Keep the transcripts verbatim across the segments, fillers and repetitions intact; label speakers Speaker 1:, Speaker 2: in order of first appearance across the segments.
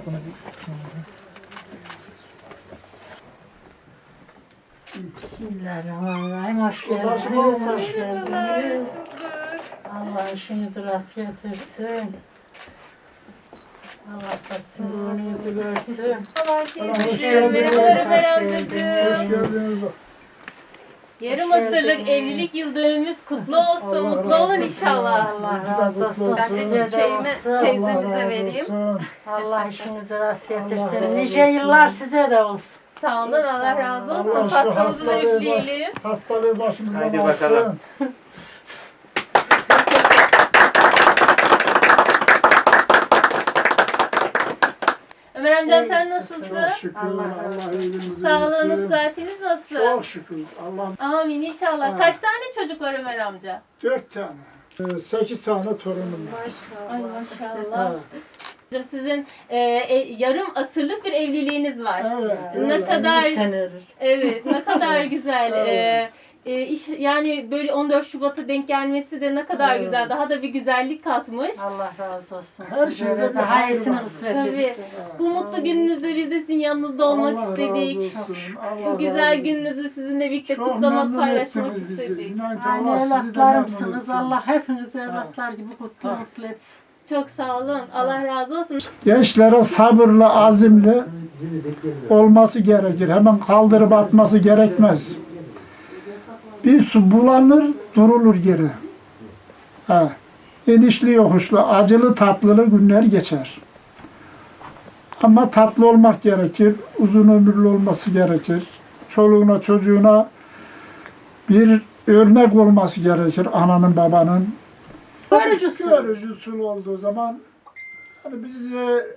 Speaker 1: Bismillahirrahmanirrahim. Hoş geldiniz, hoş geldiniz. Allah işinizi rast getirsin. Allah da sizin önünüzü görsün.
Speaker 2: Hoş geldiniz. Merhaba amcacığım.
Speaker 3: Hoş geldiniz.
Speaker 2: Yarım asırlık evlilik yıl dönümümüz kutlu olsun. Mutlu olun inşallah.
Speaker 1: Allah razı olsun.
Speaker 2: Ben de
Speaker 1: Size de
Speaker 2: çiçeğimi
Speaker 1: olsun.
Speaker 2: teyzemize vereyim.
Speaker 1: Allah işinizi rast getirsin. Nice yıllar size de olsun.
Speaker 2: Sağ olun, Allah razı olsun.
Speaker 3: Allah şu
Speaker 2: Pastamızı da
Speaker 3: hastalığı,
Speaker 2: üfleyelim.
Speaker 3: hastalığı başımızdan
Speaker 4: Haydi
Speaker 3: alsın.
Speaker 4: bakalım.
Speaker 2: Ömer amcam sen nasılsın?
Speaker 3: Çok şükür.
Speaker 1: Allah
Speaker 3: Allah,
Speaker 1: razı
Speaker 3: Allah
Speaker 1: olsun.
Speaker 3: iyiliğinizi
Speaker 2: Sağlığınız,
Speaker 3: versin.
Speaker 2: sıhhatiniz nasıl?
Speaker 3: Çok şükür. Allah
Speaker 2: Amin inşallah.
Speaker 3: Ha.
Speaker 2: Kaç tane çocuk var Ömer amca?
Speaker 3: dört tane. Ee, Sekiz tane torunum var.
Speaker 2: Ay
Speaker 3: Ha.
Speaker 2: maşallah. Sizin e, e, yarım asırlık bir evliliğiniz var.
Speaker 3: Evet.
Speaker 2: Ne
Speaker 3: evet.
Speaker 2: kadar
Speaker 1: elli senedir.
Speaker 2: evet, ne kadar güzel.
Speaker 3: Evet.
Speaker 2: E, e, iş, yani böyle on dört Şubat'a denk gelmesi de ne kadar
Speaker 3: Evet.
Speaker 2: güzel. Daha da bir güzellik katmış.
Speaker 1: Allah razı olsun.
Speaker 3: Her
Speaker 1: Size
Speaker 3: şeyde
Speaker 1: de
Speaker 3: bir
Speaker 1: daha
Speaker 3: hayır
Speaker 1: iyisini
Speaker 3: var.
Speaker 1: kısmet
Speaker 2: Tabii.
Speaker 1: etsin.
Speaker 2: Bu mutlu gününüzde biz de sizin yanınızda olmak
Speaker 3: Allah
Speaker 2: istedik.
Speaker 3: razı olsun. Allah
Speaker 2: Bu güzel
Speaker 3: razı olsun.
Speaker 2: gününüzü sizinle birlikte
Speaker 3: Çok
Speaker 2: kutlamak,
Speaker 3: memnun
Speaker 2: paylaşmak
Speaker 3: ettiniz bizi.
Speaker 2: istedik.
Speaker 3: İnan ki
Speaker 1: Aynı
Speaker 3: Allah sizi de memnun
Speaker 1: evlatlarımsınız.
Speaker 3: etsin.
Speaker 1: Allah hepinizi evlatlar gibi kutlu
Speaker 3: Ha.
Speaker 1: mutlu etsin.
Speaker 2: Çok sağ olun. Allah razı olsun.
Speaker 3: Gençlere sabırlı, azimli olması gerekir. Hemen kaldırıp atması gerekmez. Bir su bulanır, durulur geri. Ha. İnişli yokuşlu, acılı tatlılı günler geçer. Ama tatlı olmak gerekir, uzun ömürlü olması gerekir. Çoluğuna, çocuğuna bir örnek olması gerekir ananın, babanın.
Speaker 1: Görücüsü.
Speaker 3: Görücüsü olduğu zaman hani bize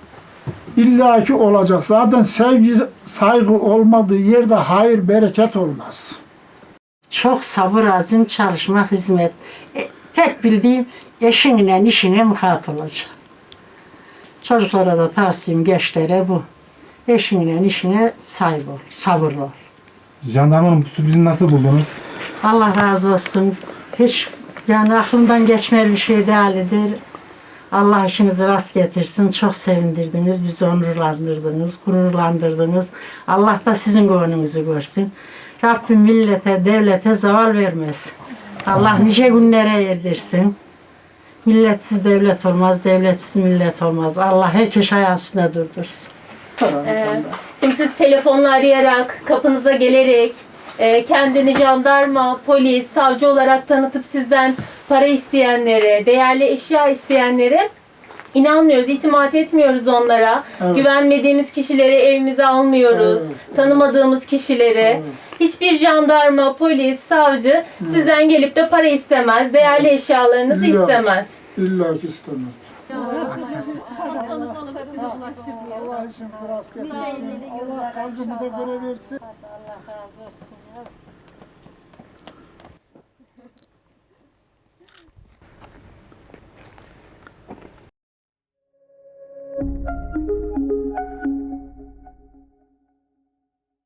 Speaker 3: illaki olacak. Zaten sevgi, saygı olmadığı yerde hayır, bereket olmaz.
Speaker 1: Çok sabır, azim, çalışma, hizmet. E, tek bildiğim eşinle, işine muhat olacak. Çocuklara da tavsiyem, gençlere bu. Eşinle, işine sahip ol, sabırlı ol.
Speaker 4: Jandarmanın bu sürprizini nasıl buldunuz?
Speaker 1: Allah razı olsun. Hiç yani aklımdan geçmeyen bir şey değildir. Allah işinizi rast getirsin. Çok sevindirdiniz, bizi onurlandırdınız, gururlandırdınız. Allah da sizin gönlünüzü görsün. Rabbim millete, devlete zeval vermez. Allah nice günlere erdirsin. Milletsiz devlet olmaz, devletsiz millet olmaz. Allah herkes ayağı üstüne durdursun.
Speaker 2: Ee, şimdi siz telefonla arayarak, kapınıza gelerek, e, kendini jandarma, polis, savcı olarak tanıtıp sizden para isteyenlere, değerli eşya isteyenlere inanmıyoruz, itimat etmiyoruz onlara.
Speaker 3: Evet.
Speaker 2: Güvenmediğimiz kişileri evimize almıyoruz.
Speaker 3: Evet.
Speaker 2: Tanımadığımız kişileri.
Speaker 3: Evet.
Speaker 2: Hiçbir jandarma, polis, savcı sizden gelip de para istemez, değerli eşyalarınızı
Speaker 3: Yok.
Speaker 2: istemez.
Speaker 3: İlla ki istemez.
Speaker 2: Allah
Speaker 3: Allah için rast getirsin. Allah kalbimize göre versin.
Speaker 1: Allah razı olsun.